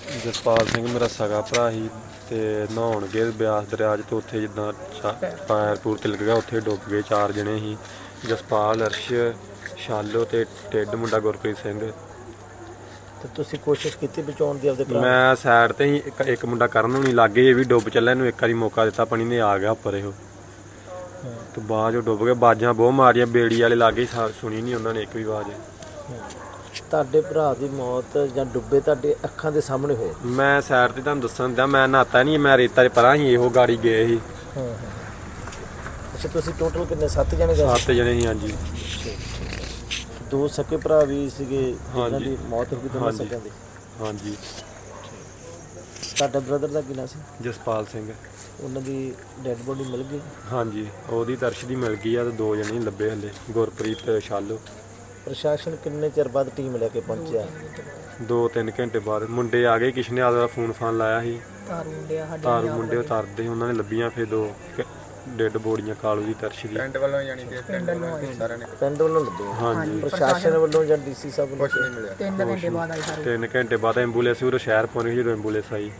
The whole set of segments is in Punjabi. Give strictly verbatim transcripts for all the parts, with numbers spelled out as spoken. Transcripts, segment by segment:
ਜਸਪਾਲ ਸਿੰਘ ਮੇਰਾ ਸਗਾ ਭਰਾ ਸੀ ਅਤੇ ਨਹਾਉਣ ਗਏ ਬਿਆਸ ਦਰਿਆ 'ਚ, ਅਤੇ ਉੱਥੇ ਜਿੱਦਾਂ ਪੈਰ ਪੂਰ ਤਿਲਕ ਗਿਆ, ਉੱਥੇ ਡੁੱਬ ਗਏ। ਚਾਰ ਜਣੇ ਸੀ, ਜਸਪਾਲ, ਅਰਸ਼, ਸ਼ਾਲੋ ਅਤੇ ਟਿੱਡ ਮੁੰਡਾ ਗੁਰਪ੍ਰੀਤ ਸਿੰਘ। ਤੇ ਤੁਸੀਂ ਕੋਸ਼ਿਸ਼ ਕੀਤੀ ਬਚਾਉਣ ਦੀ ਆਪਦੇ ਭਰਾ ਨੂੰ? ਮੈਂ ਸਾਈਡ 'ਤੇ ਹੀ, ਇੱਕ ਇੱਕ ਮੁੰਡਾ ਕਰਨ ਨੂੰ ਨਹੀਂ ਲਾਗੇ, ਇਹ ਵੀ ਡੁੱਬ ਚੱਲਿਆ, ਇਹਨੂੰ ਇੱਕ ਵਾਰੀ ਮੌਕਾ ਦਿੱਤਾ ਪਾਣੀ ਨੇ, ਆ ਗਿਆ ਉੱਪਰ ਇਹੋ, ਅਤੇ ਬਾਅਦ 'ਚੋਂ ਡੁੱਬ ਗਏ। ਬਾਜਾਂ ਬਹੁਤ ਮਾਰੀਆਂ, ਬੇੜੀ ਵਾਲੇ ਲਾਗੇ ਸੁਣੀ ਨਹੀਂ ਉਹਨਾਂ ਨੇ ਇੱਕ ਵੀ ਆਵਾਜ਼। ਤੁਹਾਡੇ ਭਰਾ ਦੀ ਮੌਤ ਜਾਂ ਡੁੱਬੇ ਤੁਹਾਡੇ ਅੱਖਾਂ ਦੇ ਸਾਹਮਣੇ ਹੋਏ? ਮੈਂ ਸਾਈਡ 'ਤੇ ਤੁਹਾਨੂੰ ਦੱਸਣ ਦਿਆਂ, ਮੈਂ ਨਹਾਤਾ ਨਹੀਂ, ਮੈਂ ਰੇਤਾ 'ਚ ਪਰਾਂ ਸੀ, ਇਹੋ ਗਾੜੀ ਗਏ ਸੀ। ਹਾਂ ਹਾਂ। ਅੱਛਾ, ਤੁਸੀਂ ਟੋਟਲ ਕਿੰਨੇ, ਸੱਤ ਜਣੇ ਗਏ? ਸੱਤ ਜਣੇ ਸੀ, ਹਾਂਜੀ। ਦੋ ਸਕੇ ਭਰਾ ਵੀ ਸੀਗੇ ਜਿਨ੍ਹਾਂ ਦੀ ਮੌਤ ਹੋ ਗਈ, ਦੋਨਾਂ ਹਾਂਜੀ ਸਕਿਆਂ ਦੀ? ਹਾਂਜੀ। ਤੁਹਾਡਾ ਬ੍ਰਦਰ ਦਾ ਕੀ ਨਾਂ ਸੀ? ਜਸਪਾਲ ਸਿੰਘ। ਉਹਨਾਂ ਦੀ ਡੈਡ ਬੋਡੀ ਮਿਲ ਗਈ? ਹਾਂਜੀ, ਉਹਦੀ ਦਰਸ਼ ਦੀ ਮਿਲ ਗਈ ਆ, ਅਤੇ ਦੋ ਜਣੇ ਲੱਭੇ ਹਲੇ, ਗੁਰਪ੍ਰੀਤ ਤੇ ਸ਼ਾਲੋ। ਪ੍ਰਸ਼ਾਸਨ ਕਿੰਨੇ ਚਿਰ ਬਾਅਦ ਟੀਮ ਲੈ ਕੇ ਪਹੁੰਚਿਆ? ਦੋ ਤਿੰਨ ਘੰਟੇ ਬਾਅਦ ਮੁੰਡੇ ਆ ਗਏ, ਕਿਸੇ ਨੇ ਆਪਦਾ ਫੋਨ ਫਾਨ ਲਾਇਆ ਸੀ, ਤਾਰੂ ਮੁੰਡੇ ਉਤਾਰਦੇ ਉਹਨਾਂ ਨੇ ਲੱਭੀਆਂ। ਫਿਰ ਦੋ ਡੈਡ ਬੋਡੀਆਂ ਕਾਲੂ ਦੀ, ਦਰਸ਼ ਦੀ। ਪਿੰਡ ਵੱਲੋਂ ਜਾਣੀ ਕਿ ਪਿੰਡ ਵੱਲੋਂ ਸਾਰਿਆਂ ਨੇ ਪਿੰਡ ਵੱਲੋਂ ਲੱਭੇ? ਹਾਂਜੀ। ਪ੍ਰਸ਼ਾਸਨ ਵੱਲੋਂ ਜਾਂ ਡੀਸੀ ਸਾਹਿਬ ਵੱਲੋਂ? ਕੁਛ ਨਹੀਂ ਮਿਲਿਆ। ਤਿੰਨ ਘੰਟੇ ਬਾਅਦ ਆਈ ਸਾਰੇ। ਤਿੰਨ ਘੰਟੇ ਬਾਅਦ ਐਂਬੂਲੈਂਸ ਉਰੇ ਸ਼ਹਿਰ ਪਹੁੰਚ ਗਈ, ਜਦੋਂ ਐਂਬੂਲੈਂਸ ਆਈ।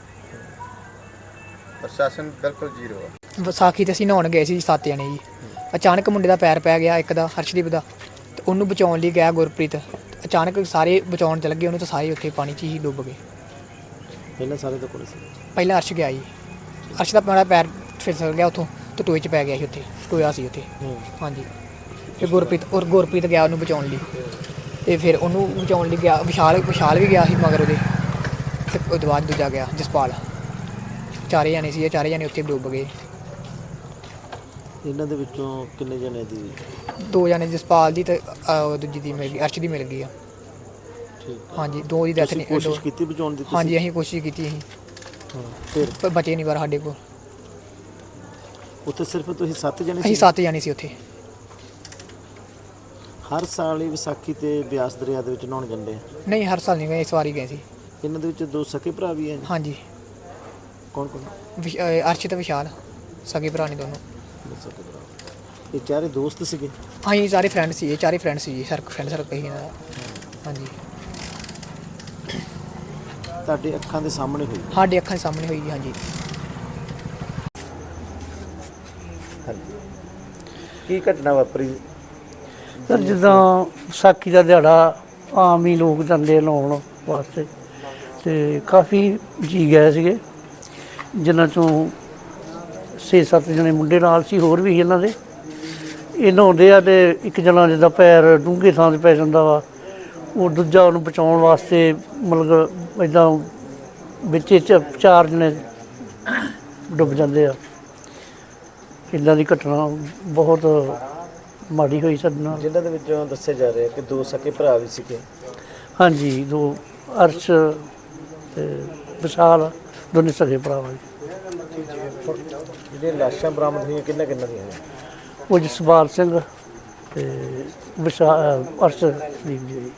ਪ੍ਰਸ਼ਾਸਨ ਬਿਲਕੁਲ ਜ਼ੀਰੋ ਆ। ਵਿਸਾਖੀ ਤੇ ਅਸੀਂ ਨਹਾਉਣ ਗਏ ਸੀ ਸੱਤ ਜਣੇ ਜੀ। ਅਚਾਨਕ ਮੁੰਡੇ ਦਾ ਪੈਰ ਪੈ ਗਿਆ, ਇੱਕ ਦਾ, ਹਰਸ਼ਦੀਪ ਦਾ, ਤੇ ਉਹਨੂੰ ਬਚਾਉਣ ਲਈ ਗਿਆ ਗੁਰਪ੍ਰੀਤ। ਅਚਾਨਕ ਸਾਰੇ ਬਚਾਉਣ ਚੱਲ ਗਏ ਉਹਨੂੰ, ਤਾਂ ਸਾਰੇ ਉੱਥੇ ਪਾਣੀ 'ਚ ਹੀ ਡੁੱਬ ਗਏ। ਪਹਿਲਾਂ ਸਾਰੇ ਤੋਂ ਕੋਲ ਸੀ? ਪਹਿਲਾਂ ਅਰਸ਼ ਗਿਆ ਜੀ, ਅਰਸ਼ ਦਾ ਮੇਰਾ ਪੈਰ ਫਿਸਲ ਗਿਆ ਉੱਥੋਂ, ਤੇ ਟੋਏ 'ਚ ਪੈ ਗਿਆ ਸੀ, ਉੱਥੇ ਟੋਇਆ ਸੀ ਉੱਥੇ। ਹਾਂਜੀ। ਫਿਰ ਗੁਰਪ੍ਰੀਤ ਔਰ ਗੁਰਪ੍ਰੀਤ ਗਿਆ ਉਹਨੂੰ ਬਚਾਉਣ ਲਈ, ਅਤੇ ਫਿਰ ਉਹਨੂੰ ਬਚਾਉਣ ਲਈ ਗਿਆ ਵਿਸ਼ਾਲ, ਵਿਸ਼ਾਲ ਵੀ ਗਿਆ ਸੀ ਮਗਰ ਉਹਦੇ, ਅਤੇ ਉਹਦੇ ਬਾਅਦ ਦੂਜਾ ਗਿਆ ਜਸਪਾਲ। ਚਾਰੇ ਜਾਣੇ ਸੀ, ਇਹ ਚਾਰੇ ਜਾਣੇ ਉੱਥੇ ਡੁੱਬ ਗਏ। ਇਹਨਾਂ ਦੇ ਵਿੱਚੋਂ ਕਿੰਨੇ ਜਣੇ ਦੀ? ਦੋ ਜਣੇ, ਜਸਪਾਲ ਦੀ ਤੇ ਦੂਜੀ ਦੀ ਮਿਲ ਗਈ, ਅਰਸ਼ ਦੀ ਮਿਲ ਗਈ ਆ। ਠੀਕ। ਹਾਂਜੀ, ਦੋ ਦੀ ਡੈਥ ਨਹੀਂ। ਕੋਸ਼ਿਸ਼ ਕੀਤੀ ਬਚਾਉਣ ਦੀ? ਹਾਂਜੀ, ਅਸੀਂ ਕੋਸ਼ਿਸ਼ ਕੀਤੀ ਸੀ, ਫਿਰ ਪਰ ਬਚੇ ਨਹੀਂ ਪਰ ਸਾਡੇ ਕੋਲ। ਉੱਥੇ ਸਿਰਫ ਤੁਸੀਂ ਸੱਤ ਜਣੇ ਅਸੀਂ ਸੀ? ਸੱਤ ਜਾਣੇ ਸੀ ਉੱਥੇ। ਹਰ ਸਾਲ ਹੀ ਵਿਸਾਖੀ ਤੇ ਬਿਆਸ ਦਰਿਆ ਦੇ ਵਿੱਚ ਨਹਾਉਣ ਜਾਂਦੇ ਆ? ਨਹੀਂ, ਹਰ ਸਾਲ ਨਹੀਂ ਗਏ, ਇਸ ਵਾਰੀ ਗਏ ਸੀ। ਇਹਨਾਂ ਦੇ ਵਿੱਚ ਦੋ ਸਕੇ ਭਰਾ ਵੀ ਹੈ? ਹਾਂਜੀ। ਕੌਣ ਕੌਣ? ਵਿਸ਼- ਅਹ ਅਰਸ਼ ਤੇ ਵਿਸ਼ਾਲ, ਸਗੇ ਭਰਾ ਨੇ ਦੋਨੋਂ। ਦੋ ਸਕੇ ਭਰਾ। ਇਹ ਚਾਰੇ ਦੋਸਤ ਸੀਗੇ? ਹਾਂਜੀ, ਸਾਰੇ ਫਰੈਂਡ ਸੀ, ਇਹ ਚਾਰੇ ਫਰੈਂਡ ਸੀ ਜੀ, ਸਰ ਫਰੈਂਡ ਸਰਕਲ ਸੀ ਇਹਨਾਂ ਦਾ। ਹਾਂਜੀ। ਤੁਹਾਡੇ ਅੱਖਾਂ ਦੇ ਸਾਹਮਣੇ ਹੋਈ? ਸਾਡੇ ਅੱਖਾਂ ਦੇ ਸਾਹਮਣੇ ਹੋਈ ਜੀ। ਹਾਂਜੀ। ਹਾਂਜੀ। ਕੀ ਘਟਨਾ ਵਾਪਰੀ? ਸਰ ਜਿੱਦਾਂ ਵਿਸਾਖੀ ਦਾ ਦਿਹਾੜਾ, ਆਮ ਹੀ ਲੋਕ ਜਾਂਦੇ ਨਹਾਉਣ ਵਾਸਤੇ, ਅਤੇ ਕਾਫੀ ਜੀ ਗਏ ਸੀਗੇ, ਜਿਨ੍ਹਾਂ 'ਚੋਂ ਛੇ ਸੱਤ ਜਣੇ ਮੁੰਡੇ ਨਾਲ ਸੀ, ਹੋਰ ਵੀ ਇਹਨਾਂ ਦੇ। ਇਹ ਨਹਾਉਂਦੇ ਆ, ਅਤੇ ਇੱਕ ਜਣਾ ਜਿੱਦਾਂ ਪੈਰ ਡੂੰਘੇ ਥਾਂ 'ਤੇ ਪੈ ਜਾਂਦਾ ਵਾ, ਉਹ ਦੂਜਾ ਉਹਨੂੰ ਬਚਾਉਣ ਵਾਸਤੇ ਮਤਲਬ ਇੱਦਾਂ ਵਿੱਚ ਚ ਚਾਰ ਜਣੇ ਡੁੱਬ ਜਾਂਦੇ ਆ। ਇੱਦਾਂ ਦੀ ਘਟਨਾ ਬਹੁਤ ਮਾੜੀ ਹੋਈ ਸਾਡੇ ਨਾਲ। ਜਿਨ੍ਹਾਂ ਦੇ ਵਿੱਚੋਂ ਦੱਸਿਆ ਜਾ ਰਿਹਾ ਕਿ ਦੋ ਸਕੇ ਭਰਾ ਵੀ ਸੀਗੇ? ਹਾਂਜੀ, ਦੋ, ਅਰਸ਼ ਅਤੇ ਵਿਸ਼ਾਲ, ਦੋਨੇ ਸਗੇ ਭਰਾ ਵਾ ਜੀ। ਜਿਹੜੀਆਂ ਲਾਸ਼ਾਂ ਬਰਾਮਦ ਹੋਈਆਂ ਕਿੰਨਾ ਕਿੰਨਾ ਦੀਆਂ? ਉਹ ਜਸਪਾਲ ਸਿੰਘ ਅਤੇ ਵਿਸ਼ਾਲ, ਅਰਸ਼ਦੀਪ ਜੀ।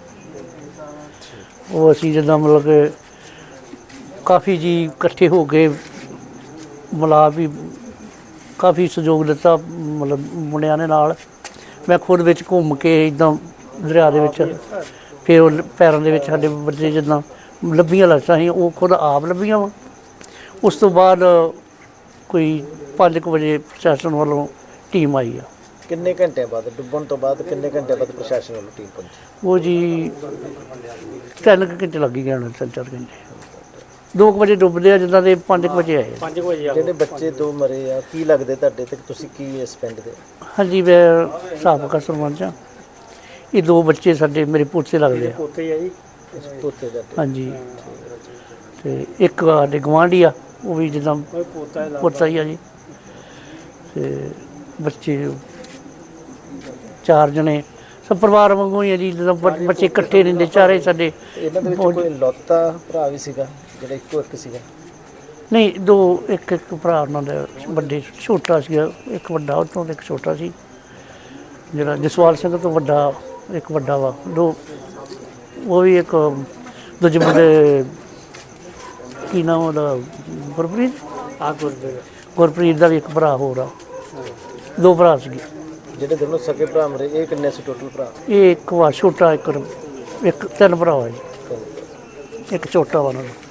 ਉਹ ਅਸੀਂ ਜਿੱਦਾਂ ਮਤਲਬ ਕਿ ਕਾਫੀ ਜੀ ਇਕੱਠੇ ਹੋ ਕੇ ਮਿਲਾ ਵੀ ਕਾਫੀ ਸਹਿਯੋਗ ਦਿੱਤਾ ਮਤਲਬ ਮੁੰਡਿਆਂ ਦੇ ਨਾਲ। ਮੈਂ ਖੁਦ ਵਿੱਚ ਘੁੰਮ ਕੇ ਇੱਦਾਂ ਦਰਿਆ ਦੇ ਵਿੱਚ, ਫਿਰ ਉਹ ਪੈਰਾਂ ਦੇ ਵਿੱਚ ਸਾਡੇ ਵੱਜੇ, ਜਿੱਦਾਂ ਲੱਭੀਆਂ ਲਾਸ਼ਾਂ ਸੀ, ਉਹ ਖੁਦ ਆਪ ਲੱਭੀਆਂ ਵਾ। ਉਸ ਤੋਂ ਬਾਅਦ ਕੋਈ ਪੰਜ ਕੁ ਵਜੇ ਪ੍ਰਸ਼ਾਸਨ ਵੱਲੋਂ ਟੀਮ ਆਈ ਆ। ਕਿੰਨੇ ਘੰਟਿਆਂ ਬਾਅਦ, ਡੁੱਬਣ ਤੋਂ ਬਾਅਦ ਕਿੰਨੇ ਘੰਟਿਆਂ ਬਾਅਦ ਪ੍ਰਸ਼ਾਸਨ ਵੱਲੋਂ ਟੀਮ ਪਹੁੰਚੀ? ਉਹ ਜੀ ਤਿੰਨ ਕੁ ਘੰਟੇ ਲੱਗ ਹੀ ਗਏ ਹੋਣੇ, ਤਿੰਨ ਚਾਰ ਘੰਟੇ। ਦੋ ਕੁ ਵਜੇ ਡੁੱਬਦੇ ਆ ਜਿੱਦਾਂ ਦੇ, ਪੰਜ ਕੁ ਵਜੇ ਆਏ। ਪੰਜ ਵਜੇ ਜਿਹੜੇ ਬੱਚੇ ਦੋ ਮਰੇ ਆ, ਕੀ ਲੱਗਦੇ ਤੁਹਾਡੇ ਤੇ? ਤੁਸੀਂ ਕੀ ਇਸ ਪਿੰਡ ਦੇ? ਹਾਂਜੀ, ਮੈਂ ਸਾਬਕਾ ਸਰਪੰਚ ਹਾਂ। ਇਹ ਦੋ ਬੱਚੇ ਸਾਡੇ ਮੇਰੇ ਪੋਤੇ ਲੱਗਦੇ ਆ। ਪੋਤੇ ਆ ਜੀ? ਪੋਤੇ ਦਾ? ਹਾਂਜੀ। ਅਤੇ ਇੱਕ ਸਾਡੇ ਗੁਆਂਢੀ ਆ, ਉਹ ਵੀ ਜਿੱਦਾਂ ਪੋਤਾ ਹੀ ਆ ਜੀ। ਅਤੇ ਬੱਚੇ ਚਾਰ ਜਣੇ ਸਭ ਪਰਿਵਾਰ ਵਾਂਗੂ ਹੀ ਆ ਜੀ, ਜਿੱਦਾਂ ਬ- ਬੱਚੇ ਇਕੱਠੇ ਰਹਿੰਦੇ ਚਾਰੇ ਸਾਡੇ। ਇਹਨਾਂ ਦੇ ਵਿੱਚ ਕੋਈ ਲੌਤਾ ਭਰਾ ਵੀ ਸੀਗਾ ਜਿਹੜਾ ਇੱਕੋ ਇੱਕ ਸੀਗਾ? ਨਹੀਂ, ਦੋ, ਇੱਕ ਇੱਕ ਭਰਾ ਉਹਨਾਂ ਦਾ ਵੱਡੇ, ਛੋਟਾ ਸੀਗਾ, ਇੱਕ ਵੱਡਾ ਉਹ ਤੋਂ, ਇੱਕ ਛੋਟਾ ਸੀ। ਜਿਹੜਾ ਜਸਵਾਲ ਸਿੰਘ ਤੋਂ ਵੱਡਾ, ਇੱਕ ਵੱਡਾ ਵਾ, ਦੋ। ਉਹ ਵੀ ਇੱਕ ਦੂਜੇ ਮੁੰਡੇ, ਕੀ ਨਾਮ ਉਹਦਾ, ਗੁਰਪ੍ਰੀਤ? ਆ ਗੁਰਪ੍ਰੀਤ। ਗੁਰਪ੍ਰੀਤ ਦਾ ਵੀ ਇੱਕ ਭਰਾ ਹੋਰ ਆ, ਦੋ ਭਰਾ ਸੀਗੇ। ਜਿਹੜੇ ਦੋਨੋਂ ਸਕੇ ਭਰਾ ਮਰੇ, ਇਹ ਕਿੰਨੇ ਸੀ ਟੋਟਲ ਭਰਾ? ਇਹ ਇੱਕ ਵਾ ਛੋਟਾ, ਇੱਕ ਇੱਕ ਤਿੰਨ ਭਰਾ ਵਾ ਜੀ। ਇੱਕ ਛੋਟਾ ਵਾ ਉਹਨਾਂ ਦਾ।